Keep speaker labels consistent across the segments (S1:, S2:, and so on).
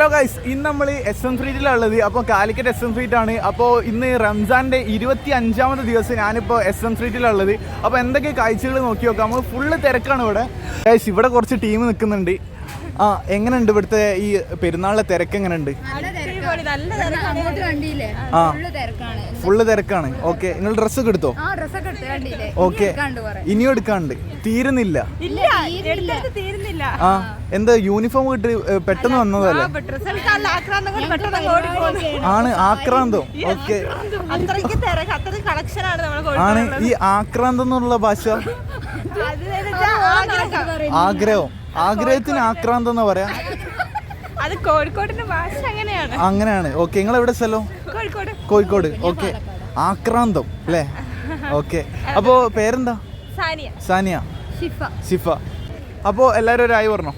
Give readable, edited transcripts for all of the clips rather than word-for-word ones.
S1: Hello guys, ഇന്ന് നമ്മൾ SM സ്ട്രീറ്റിലുള്ളത്. അപ്പോൾ കാലിക്കറ്റ് SM സ്ട്രീറ്റ് ആണ്. അപ്പോൾ ഇന്ന് റംസാൻ്റെ 25ാമത്തെ ദിവസം ഞാനിപ്പോൾ SM സ്ട്രീറ്റിലുള്ളത്. അപ്പോൾ എന്തൊക്കെ കാഴ്ചകൾ നോക്കി നോക്കാം. നമ്മൾ ഫുള്ള് തിരക്കാണ് ഇവിടെ ഗൈസ്. ഇവിടെ കുറച്ച് ടീം നിൽക്കുന്നുണ്ട്. എങ്ങനെയുണ്ട് ഇവിടുത്തെ ഈ പെരുന്നാളിലെ തിരക്ക്? എങ്ങനെയുണ്ട്? ഫുള്ള് തിരക്കാണ്. ഓക്കെ, നിങ്ങൾ ഡ്രസ്സൊക്കെ എടുത്തോ? ഓക്കെ, ഇനിയും എടുക്കാണ്ട് തീരുന്നില്ല. എന്താ യൂണിഫോം കിട്ടി പെട്ടെന്ന് വന്നതല്ലേ? ആണ് ആക്രാന്തം. ഓക്കെ, ആണ് ഈ ആക്രാന്തം എന്നുള്ള ഭാഷ. ആഗ്രഹത്തിന് ആക്രാന്തം എന്ന് പറയാ.
S2: അത് കോഴിക്കോടിന്റെ ഭാഷ അങ്ങനെയാണ്.
S1: അങ്ങനെയാണ്. ഓക്കെ, നിങ്ങൾ എവിടെ സ്ഥലം? കോഴിക്കോട്. ഓക്കെ, ആക്രാന്തം അല്ലേ? ഓക്കെ, അപ്പോ പേരെന്താ? സാനിയ. ഷിഫ. അപ്പോൾ എല്ലാവരും ഒരു ആയി പറഞ്ഞോ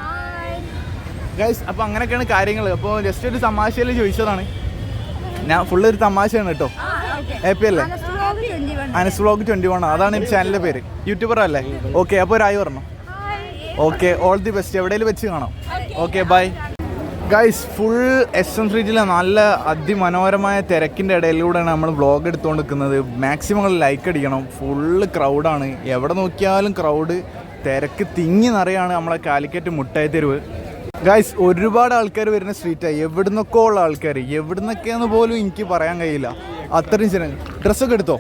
S1: ഗൈസ്. അപ്പോൾ അങ്ങനെയൊക്കെയാണ് കാര്യങ്ങൾ. അപ്പോൾ ജസ്റ്റ് ഒരു തമാശയിൽ ചോദിച്ചതാണ് ഞാൻ. ഫുള്ള് ഒരു തമാശയാണ് കേട്ടോ. ഹാപ്പി അല്ലേ? അനസ് വ്ലോഗ് 21 അതാണ് ഈ ചാനലിൻ്റെ പേര്. യൂട്യൂബർ അല്ലേ? ഓക്കെ, അപ്പോൾ ഒരു ആയി പറഞ്ഞോ. Okay, all the best. എവിടെയെങ്കിലും വെച്ച് കാണാം. Okay, bye guys. Full SM സ്ട്രീറ്റിലെ നല്ല അതിമനോഹരമായ തിരക്കിൻ്റെ ഇടയിലൂടെയാണ് നമ്മൾ വ്ളോഗ് എടുത്തുകൊണ്ട് നിൽക്കുന്നത്. മാക്സിമം ലൈക്ക് അടിക്കണം. ഫുള്ള് ക്രൗഡാണ്. എവിടെ നോക്കിയാലും ക്രൗഡ്, തിരക്ക് തിങ്ങി നിറയാണ് നമ്മളെ കാലിക്കറ്റ് മുട്ടായി തെരുവ് ഗൈസ്. ഒരുപാട് ആൾക്കാർ വരുന്ന സ്ട്രീറ്റാണ്. എവിടുന്നൊക്കെ ഉള്ള ആൾക്കാർ, എവിടുന്നൊക്കെയെന്ന് പോലും എനിക്ക് പറയാൻ കഴിയില്ല. അത്രയും ജനങ്ങൾ. ഡ്രസ്സൊക്കെ എടുത്തോ?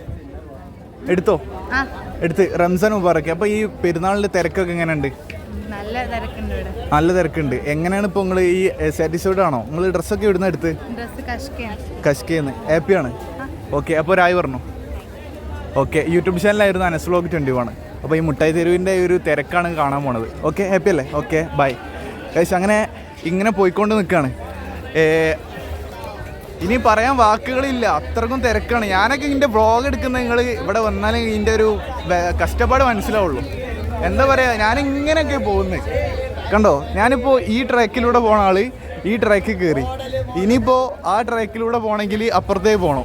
S1: എടുത്ത് റംസാൻ മുബാറക്ക്. അപ്പോൾ ഈ പെരുന്നാളിൻ്റെ തിരക്കൊക്കെ എങ്ങനെയുണ്ട്? നല്ല തിരക്കുണ്ട്. എങ്ങനെയാണ് ഇപ്പോൾ നിങ്ങൾ ഈ സാറ്റിസ്ഫൈഡ് ആണോ? നിങ്ങൾ ഡ്രസ്സൊക്കെ ഇവിടുന്ന് എടുത്ത്? കഷ്കേന്ന്. ഹാപ്പിയാണ്? ഓക്കെ, അപ്പോൾ ഒരായി പറഞ്ഞു. ഓക്കെ, യൂട്യൂബ് ചാനലായിരുന്നു അനസ് വ്ലോഗ് 21. അപ്പോൾ ഈ മുട്ടായി തെരുവിൻ്റെ ഒരു തിരക്കാണ് കാണാൻ പോണത്. ഓക്കെ, ഹാപ്പി അല്ലേ? Okay, bye guys. അങ്ങനെ ഇങ്ങനെ പോയിക്കൊണ്ട് നിൽക്കുകയാണ്. ഇനി പറയാൻ വാക്കുകളില്ല, അത്രക്കും തിരക്കാണ്. ഞാനൊക്കെ ഇതിൻ്റെ വ്ളോഗ് എടുക്കുന്ന നിങ്ങൾ ഇവിടെ വന്നാലും ഇതിൻ്റെ ഒരു കഷ്ടപ്പാട് മനസ്സിലാവുള്ളൂ. എന്താ പറയുക, ഞാനിങ്ങനെയൊക്കെ പോകുന്നത് കണ്ടോ. ഞാനിപ്പോൾ ഈ ട്രാക്കിലൂടെ പോണ ആൾ ഈ ട്രാക്കിൽ കയറി. ഇനിയിപ്പോൾ ആ ട്രാക്കിലൂടെ പോകണമെങ്കിൽ അപ്പുറത്തേക്ക് പോകണം.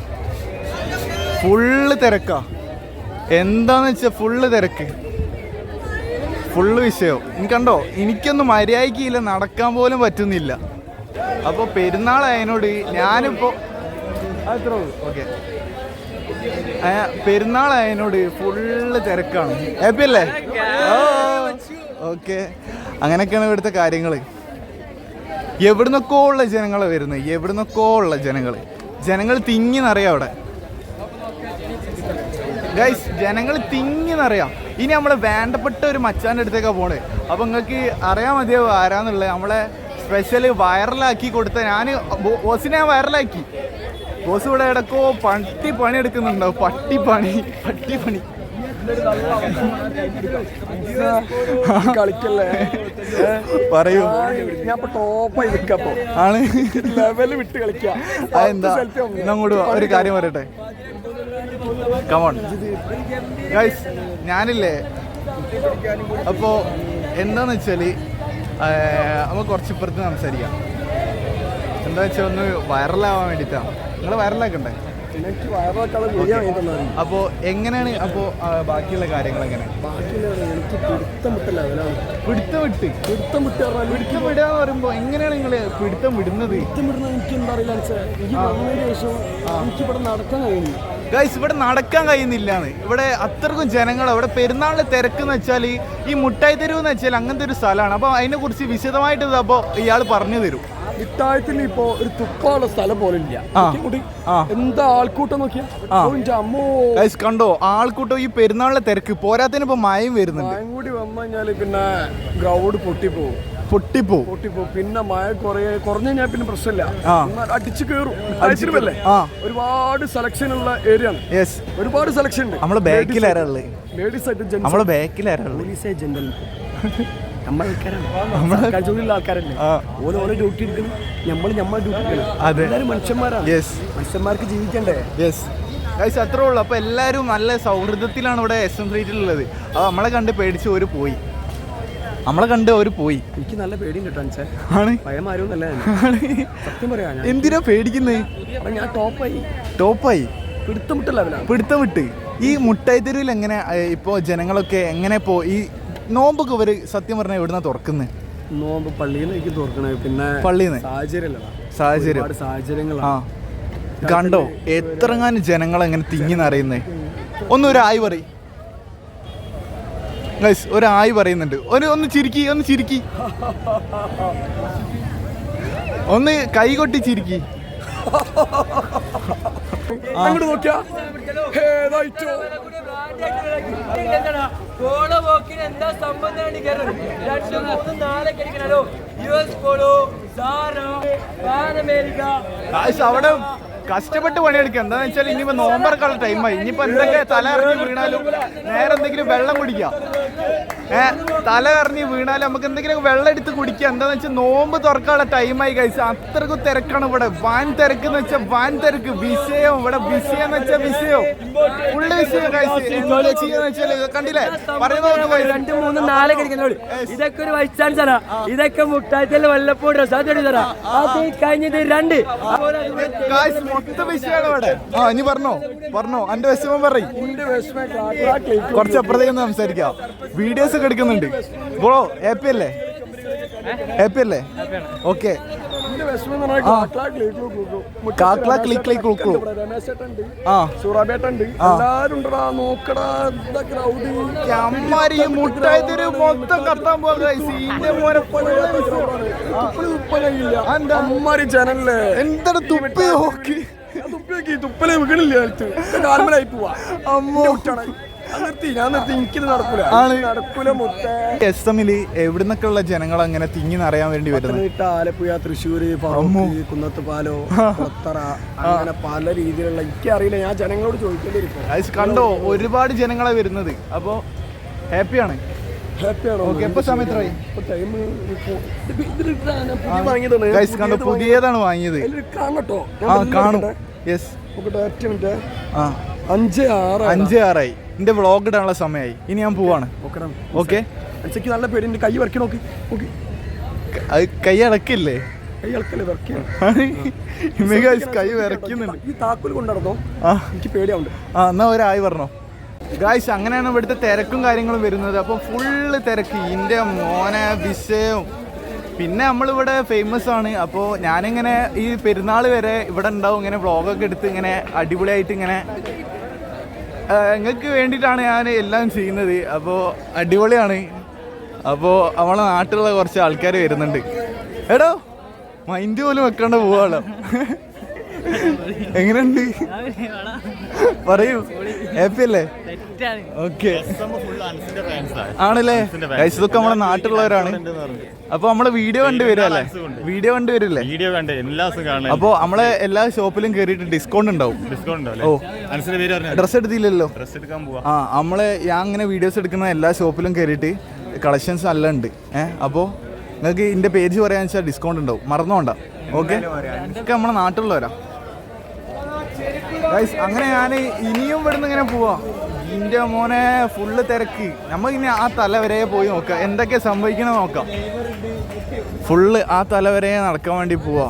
S1: ഫുള്ള് തിരക്കാ. എന്താന്ന് വെച്ചാൽ ഫുള്ള് തിരക്ക്, ഫുള്ള് വിഷയം. കണ്ടോ, എനിക്കൊന്നും മര്യാദയ്ക്കില്ല, നടക്കാൻ പോലും പറ്റുന്നില്ല. അപ്പോൾ പെരുന്നാളായതിനോട് ഞാനിപ്പോൾ അത്രേ ഉള്ളൂ. ഓക്കെ, പെരുന്നാളായതിനോട് ഫുള്ള് തിരക്കാണ്. ഹാപ്പി അല്ലേ? ഓക്കെ, അങ്ങനെയൊക്കെയാണ് ഇവിടുത്തെ കാര്യങ്ങൾ. എവിടുന്നൊക്കെ ഉള്ള ജനങ്ങളെ വരുന്നത്, എവിടുന്നൊക്കെ ഉള്ള ജനങ്ങൾ തിങ്ങി നിറയാം അവിടെ ഗൈസ്. ജനങ്ങൾ തിങ്ങി നിറയാം. ഇനി നമ്മളെ വേണ്ടപ്പെട്ട ഒരു മച്ചാൻ്റെ അടുത്തേക്കാണ് പോണേ. അപ്പോൾ നിങ്ങൾക്ക് അറിയാൻ മതിയാവും ആരാന്നുള്ളത്. നമ്മളെ സ്പെഷ്യൽ വൈറലാക്കി കൊടുത്ത ഞാൻ ബോസിനെ വൈറലാക്കി. ബോസ് ഇവിടെ ഇടക്കോ പണി എടുക്കുന്നുണ്ടാവും. പട്ടിപ്പണി കളിക്കല്ലേ പറയൂ. ആണ് ലെവല് വിട്ട് കളിക്കാം. അതെന്താ? അങ്ങോട്ട് ഒരു കാര്യം പറയട്ടെ. കമോൺ ഗൈസ്, ഞാനില്ലേ അപ്പോൾ എന്താന്ന് വെച്ചാൽ നമുക്ക് കുറച്ച് ഇപ്പുറത്ത് സംസാരിക്കാം. എന്താ വെച്ചാൽ ഒന്ന് വൈറലാവാൻ വേണ്ടിയിട്ടാണ്. നിങ്ങൾ വൈറലാക്കണ്ടേ? അപ്പോൾ എങ്ങനെയാണ് അപ്പോൾ ബാക്കിയുള്ള കാര്യങ്ങൾ എങ്ങനെ? പിടുത്തം വിടുക എന്ന് പറയുമ്പോൾ എങ്ങനെയാണ് നിങ്ങൾ പിടുത്തം വിടുന്നത്?
S3: എനിക്ക് എന്താ അറിയില്ല. എനിക്കിവിടെ നടക്കാൻ കഴിയുന്നു
S1: ഗൈസ്. ഇവിടെ നടക്കാൻ കഴിയുന്നില്ലാന്ന്. ഇവിടെ അത്രക്കും ജനങ്ങൾ. ഇവിടെ പെരുന്നാളിൻ്റെ തിരക്കെന്ന് വെച്ചാൽ ഈ മുട്ടായി തെരുവ് എന്ന് വെച്ചാൽ അങ്ങനത്തെ ഒരു സ്ഥലമാണ്. അപ്പോൾ അതിനെക്കുറിച്ച് വിശദമായിട്ട് അപ്പോൾ ഇയാൾ പറഞ്ഞു തരും.
S3: മിഠായത്തിന് ഇപ്പോ ഒരു തുപ്പാനുള്ള സ്ഥലം പോലെ ഇല്ല. എന്താ ആൾക്കൂട്ടം നോക്കിയാ
S1: കണ്ടോ, ആൾക്കൂട്ടം. ഈ പെരുന്നാളിലെ തിരക്ക് പോരാത്തതിന് ഇപ്പൊ മഴയും വരുന്നുണ്ട്.
S3: മഴയും കൂടി വന്നു കഴിഞ്ഞാല് പിന്നെ ഗ്രൗണ്ട് പൊട്ടിപ്പോവും. പിന്നെ മഴ കുറഞ്ഞു കഴിഞ്ഞാൽ പിന്നെ പ്രശ്നമില്ല, അടിച്ചു കയറും. ഒരുപാട് സെലക്ഷൻ ഉള്ള ഏരിയ ആണ്. ഒരുപാട് സെലക്ഷൻ ഉണ്ട്.
S1: നമ്മളെ ബാക്കിലാരാള്?
S3: ലേഡീസ് ആയിട്ട്
S1: നമ്മളെ ബാക്കിലാരാള്?
S3: പോലീസ് ജനറൽ ആൾക്കാരല്ലേ. ഓരോ ഡ്യൂട്ടി എടുക്കണം. നമ്മളെ ഡ്യൂട്ടി എല്ലാവരും മനുഷ്യന്മാരാണ്. മനുഷ്യന്മാർക്ക് ജീവിക്കണ്ടേ?
S1: അത്രേ ഉള്ളൂ. അപ്പൊ എല്ലാവരും നല്ല സൗഹൃദത്തിലാണ് ഇവിടെ SM സ്ട്രീറ്റിലുള്ളത്. അത് നമ്മളെ കണ്ട് പേടിച്ച് ഒരു പോയി.
S3: എനിക്ക് നല്ല പേടിയും കിട്ടാൻ
S1: ആണ്.
S3: ഭയമാരൊന്നല്ല, സത്യം പറയാ.
S1: എന്തിനാ പേടിക്കുന്നത്?
S3: ഞാൻ
S1: ടോപ്പായി
S3: പിടുത്തം
S1: വിട്ട്. ഈ മുട്ടായി തെരുവിൽ എങ്ങനെ ഇപ്പോൾ ജനങ്ങളൊക്കെ എങ്ങനെ ഈ നോമ്പൊക്കെ ഇവർ സത്യം പറഞ്ഞാൽ എവിടുന്നാ തുറക്കുന്നത്?
S3: നോമ്പ് പള്ളിയിൽ നിന്ന് എനിക്ക് തുറക്കണേ, പിന്നെ
S1: പള്ളിന്ന്
S3: സാഹചര്യങ്ങളാണ്.
S1: ആ കണ്ടോ എത്രങ്ങാനും ജനങ്ങൾ എങ്ങനെ തിങ്ങി നിറയുന്നേ. ഒരു ആയി പറയും ഗൈസ്, ഒരു ആയി പറയുന്നുണ്ട്. ഒന്ന് ചിരിക്കി, ഒന്ന് കൈ കൊട്ടി ചിരിക്കി.
S3: അങ്ങോട്ട് നോക്കിയാ
S1: അവിടെ കഷ്ടപ്പെട്ട് പണിയെടുക്കുക. എന്താണെന്ന് വെച്ചാൽ ഇനിയിപ്പോൾ നോമ്പറക്കാനുള്ള ടൈമായി. ഇനിയിപ്പോൾ എന്തൊക്കെ തല ഇറങ്ങി വീണാലും നേരെ എന്തെങ്കിലും വെള്ളം കുടിക്കാം. തല ഇറങ്ങി വീണാലും നമുക്ക് എന്തെങ്കിലും വെള്ളം എടുത്ത് കുടിക്കുക. എന്താണെന്ന് വെച്ചാൽ നോമ്പ് തുറക്കാനുള്ള ടൈമായി കഴിച്ച്. അത്രക്കും തിരക്കാണ് ഇവിടെ. വാൻ തിരക്ക് എന്ന് വെച്ചാൽ വാൻ തിരക്ക്. വിഷയം ഇവിടെ വിഷയം എന്ന് വെച്ചാൽ വിഷയം ഫുള്ള് വിഷയം കഴിച്ച്. കണ്ടില്ലേ പറയുന്നത്
S4: 2, 3, 4 കഴിക്കുന്നോളൂ. ഇതൊക്കെ ഒരു വൈസ് ചാൻസറാ. ഇതൊക്കെ മുട്ടായിട്ടല്ല വല്ലപ്പോഴും അത് കഴിഞ്ഞത് 2
S1: മൊത്തം വിഷയമാണ് ഇവിടെ. ഇനി പറഞ്ഞോ എന്റെ വിഷമം പറയും. കുറച്ച് അപ്പുറത്തേക്ക് സംസാരിക്കാം. വീഡിയോസ് ഒക്കെ എടുക്കുന്നുണ്ട് ബ്രോ. ഹാപ്പി അല്ലേ? ഓക്കെ. അമ്മാരി മുട്ടായി തെരു മൊത്തം കത്താൻ
S3: അമ്മാരി ജനല്ലേ
S1: എന്താണ് തുപ്പി നോക്കി
S3: തുപ്പലേ വീണില്ല. കാൽമലായി പോവാ. അമ്മ
S1: എവിടുന്നൊക്കെ ഉള്ള ജനങ്ങൾ അങ്ങനെ തിങ്ങി നിറയാൻ വേണ്ടി വരുന്നത്?
S3: ആലപ്പുഴ, തൃശ്ശൂര്, കുന്നത്തുപാലോ, കൊത്തറ, അങ്ങനെ പല രീതിയിലുള്ള എനിക്കറിയില്ല. ഞാൻ ജനങ്ങളോട് ചോദിക്കേണ്ടിയിരിക്കും.
S1: കണ്ടോ ഒരുപാട് ജനങ്ങളെ വരുന്നത്. അപ്പോ ഹാപ്പിയാണ്. എപ്പോ സമയത്തായി? കണ്ടോ പുതിയതാണ് വാങ്ങിയത്. കാണും. 5-6 എന്റെ വ്ളോഗ് ഇടാനുള്ള സമയമായി. ഇനി ഞാൻ പോവാണ്. ഓക്കെ.
S3: നല്ല പേര്. കൈ വരക്കി നോക്കി.
S1: കൈ അടക്കില്ലേ? കൈ വിറക്കുന്നുണ്ട്.
S3: ഈ താക്കോൽ കൊണ്ടുനടന്നോ? എനിക്ക് പേടിയാവുണ്ട്.
S1: എന്നാ ഒരായി പറഞ്ഞോ ഗായ്സ്. അങ്ങനെയാണ് ഇവിടുത്തെ തിരക്കും കാര്യങ്ങളും വരുന്നത്. അപ്പോൾ ഫുള്ള് തിരക്ക്. ഇതിൻ്റെ മോനെ വിഷയം. പിന്നെ നമ്മളിവിടെ ഫേമസ് ആണ്. അപ്പോൾ ഞാനിങ്ങനെ ഈ പെരുന്നാൾ വരെ ഇവിടെ ഉണ്ടാവും. ഇങ്ങനെ വ്ളോഗൊക്കെ എടുത്ത് ഇങ്ങനെ അടിപൊളിയായിട്ട് ഇങ്ങനെ നിങ്ങൾക്ക് വേണ്ടിയിട്ടാണ് ഞാൻ എല്ലാം ചെയ്യുന്നത്. അപ്പോൾ അടിപൊളിയാണ്. അപ്പോൾ നമ്മളെ നാട്ടിലുള്ള കുറച്ച് ആൾക്കാർ വരുന്നുണ്ട്. എടോ മൈൻഡ് പോലും വെക്കാണ്ട് പോവാണല്ലോ. എങ്ങനെയുണ്ട് പറയൂ? ഹാപ്പി അല്ലേ? ഓക്കെ ആണല്ലേ? ഇതൊക്കെ നമ്മളെ നാട്ടിലുള്ളവരാണ്. അപ്പൊ നമ്മള് വീഡിയോ കണ്ടുവരല്ലേ? അപ്പൊ നമ്മളെ എല്ലാ ഷോപ്പിലും കേറിയിട്ട് ഡിസ്കൗണ്ട് ഉണ്ടാവും. ഓ ഡ്രസ് എടുത്തില്ലല്ലോ? നമ്മള് ഞാൻ അങ്ങനെ വീഡിയോസ് എടുക്കുന്ന എല്ലാ ഷോപ്പിലും കേറിയിട്ട് കളക്ഷൻസ് നല്ല ഉണ്ട്. അപ്പോൾ നിങ്ങൾക്ക് ഇതിന്റെ പേജ് പറയാന്ന് വെച്ചാൽ ഡിസ്കൗണ്ട് ഉണ്ടാവും. മറന്നോണ്ട. ഓക്കെ. ഇതൊക്കെ നമ്മളെ നാട്ടിലുള്ളവരാ. അങ്ങനെ ഞാൻ ഇനിയും ഇവിടുന്ന് ഇങ്ങനെ പോവാ. ഇതിന്റെ മോനെ ഫുള്ള് തിരക്ക്. നമ്മളിനി ആ തല വരെ പോയി നോക്കാം എന്തൊക്കെ സംഭവിക്കണ നോക്കാം. ഫുള്ള് ആ തല വരെ നടക്കാൻ വേണ്ടി പോവാ.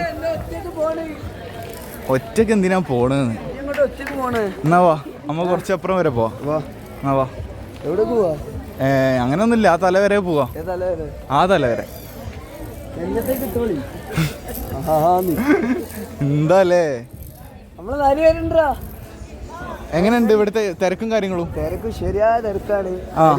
S1: ഒറ്റക്ക് എന്തിനാ പോണെന്ന്? എന്നാ വാ നമ്മ കുറച്ചപ്പുറം വരെ പോവാ. എന്നാ വാ.
S3: എവിടെ പോവാ?
S1: അങ്ങനൊന്നുമില്ല. ആ തല വരെ പോവാ. ആ തല വരെ. എന്താല്ലേ എങ്ങനെയുണ്ട് ഇവിടുത്തെ തിരക്കും കാര്യങ്ങളും?
S3: തിരക്കും ശരിയായ തിരക്കാണ്.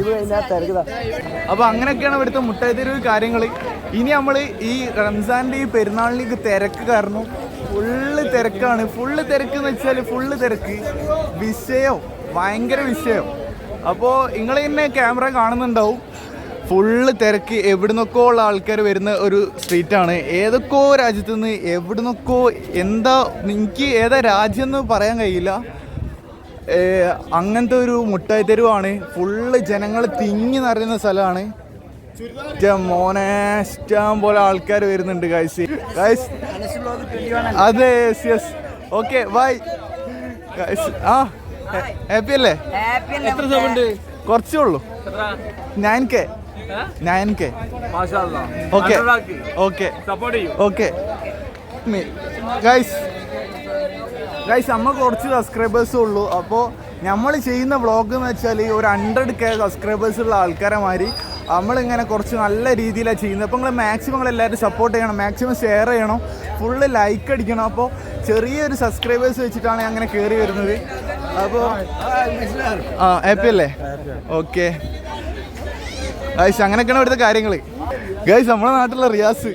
S1: അപ്പൊ അങ്ങനെയൊക്കെയാണ് ഇവിടുത്തെ മുട്ടായി തെരുവ് കാര്യങ്ങൾ. ഇനി നമ്മൾ ഈ റംസാന്റെ ഈ പെരുന്നാളിലേക്ക് തിരക്ക് കാരണം ഫുള്ള് തിരക്കാണ്. ഫുള്ള് തിരക്ക് എന്ന് വെച്ചാൽ ഫുള്ള് തിരക്ക്. വിഷയം ഭയങ്കര വിഷയം. അപ്പോൾ നിങ്ങൾ തന്നെ ക്യാമറ കാണുന്നുണ്ടാവും. ഫുള്ള് തിരക്ക്. എവിടുന്നൊക്കെ ഉള്ള ആൾക്കാർ വരുന്ന ഒരു സ്ട്രീറ്റാണ്. ഏതൊക്കെയോ രാജ്യത്തു നിന്ന് എവിടുന്നൊക്കെ എന്താ എനിക്ക് ഏതാ രാജ്യം എന്ന് പറയാൻ കഴിയില്ല. അങ്ങനത്തെ ഒരു മുട്ടായി തെരുവാണ്. ഫുള്ള് ജനങ്ങൾ തിങ്ങി നിറയുന്ന സ്ഥലമാണ്. മോനെ ഇഷ്ടം പോലെ ആൾക്കാർ വരുന്നുണ്ട്. ഗൈസ് അതെ. Yes. Okay bye guys. Happy അല്ലേ?
S4: എത്ര സമയമുണ്ട്?
S1: കുറച്ചേ ഉള്ളൂ. 9K. Okay okay okay guys നമ്മ കുറച്ച് സബ്സ്ക്രൈബേഴ്സേ ഉള്ളൂ. അപ്പോൾ നമ്മൾ ചെയ്യുന്ന വ്ളോഗ് എന്ന് വെച്ചാൽ ഒരു 100K സബ്സ്ക്രൈബേഴ്സ് ഉള്ള ആൾക്കാരെ മാതിരി നമ്മളിങ്ങനെ കുറച്ച് നല്ല രീതിയിലാണ് ചെയ്യുന്നത്. അപ്പോൾ നിങ്ങൾ മാക്സിമം എല്ലാവരും സപ്പോർട്ട് ചെയ്യണം, മാക്സിമം ഷെയർ ചെയ്യണം, ഫുള്ള് ലൈക്ക് അടിക്കണം. അപ്പോൾ ചെറിയൊരു സബ്സ്ക്രൈബേഴ്സ് വെച്ചിട്ടാണ് അങ്ങനെ കയറി വരുന്നത്. അപ്പോൾ ഹാപ്പി അല്ലേ? ഓക്കെ ഗൈസ്, അങ്ങനെയൊക്കെയാണ് ഇവിടുത്തെ കാര്യങ്ങൾ. ഗൈസ്, നമ്മുടെ നാട്ടിലുള്ള റിയാസ്,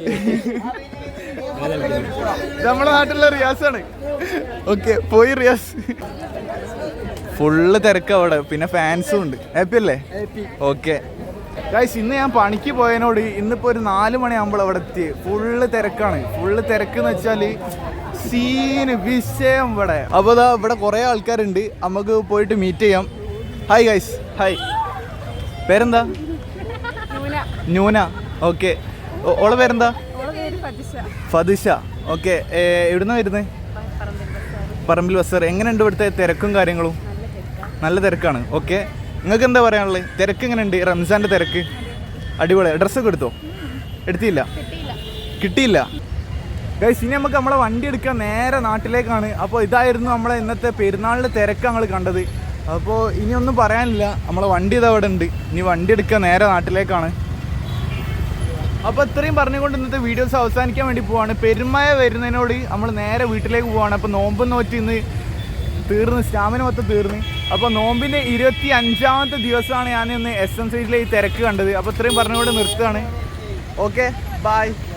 S1: നമ്മുടെ നാട്ടിലുള്ള റിയാസാണ്. ഓക്കെ, പോയി റിയാസ്. ഫുള്ള് തിരക്ക് അവിടെ, പിന്നെ ഫാൻസും ഉണ്ട്. ഹാപ്പി അല്ലേ? ഓക്കെ ഗൈസ്, ഇന്ന് ഞാൻ പണിക്ക് പോയതിനോട് ഇന്നിപ്പോൾ ഒരു 4 മണിയാകുമ്പോൾ അവിടെ എത്തി. ഫുള്ള് തിരക്കാണ്. ഫുള്ള് തിരക്ക് എന്ന് വെച്ചാൽ സീന് വിഷയം ഇവിടെ. അപ്പോൾ ഇതാ ഇവിടെ കുറേ ആൾക്കാരുണ്ട്, നമുക്ക് പോയിട്ട് മീറ്റ് ചെയ്യാം. Hi guys, hi. പേരെന്താ? ന്യൂന. ഓക്കെ, ഓളെ പേരെന്താ? ഫതിഷ. ഓക്കെ, എവിടുന്നാ വരുന്നത്? പറമ്പിൽ ബസാർ. എങ്ങനെയുണ്ട് ഇവിടുത്തെ തിരക്കും കാര്യങ്ങളും? നല്ല തിരക്കാണ്. ഓക്കെ, നിങ്ങൾക്ക് എന്താ പറയാനുള്ളത്? തിരക്ക് എങ്ങനെയുണ്ട്? റംസാൻ്റെ തിരക്ക് അടിപൊളി. ഡ്രസ്സൊക്കെ എടുത്തോ? എടുത്തില്ല? കിട്ടിയില്ല. ഗൈസ്, ഇനി നമുക്ക് നമ്മളെ വണ്ടി എടുക്കാൻ നേരെ നാട്ടിലേക്കാണ്. അപ്പോൾ ഇതായിരുന്നു നമ്മളെ ഇന്നത്തെ പെരുന്നാളിൻ്റെ തിരക്ക് ഞങ്ങൾ കണ്ടത്. അപ്പോൾ ഇനിയൊന്നും പറയാനില്ല, നമ്മളെ വണ്ടി ഇതാ അവിടെ ഉണ്ട്. ഇനി വണ്ടി എടുക്കാൻ നേരെ നാട്ടിലേക്കാണ്. അപ്പോൾ ഇത്രയും പറഞ്ഞുകൊണ്ട് ഇന്നത്തെ വീഡിയോസ് അവസാനിക്കാൻ വേണ്ടി പോവാണ്. പെരുമഴ വരുന്നതിനോട് നമ്മൾ നേരെ വീട്ടിലേക്ക് പോവാണ്. അപ്പോൾ നോമ്പ് നോറ്റ് ഇന്ന് തീർന്ന്, സ്റ്റാമിന മൊത്തം തീർന്ന്. അപ്പോൾ നോമ്പിൻ്റെ 25ാമത്തെ ദിവസമാണ് ഞാൻ ഇന്ന് എസ് എം സൈഡിലെ ഈ തിരക്ക് കണ്ടത്. അപ്പോൾ ഇത്രയും പറഞ്ഞുകൊണ്ട് നിർത്തുകയാണ്. Okay, by.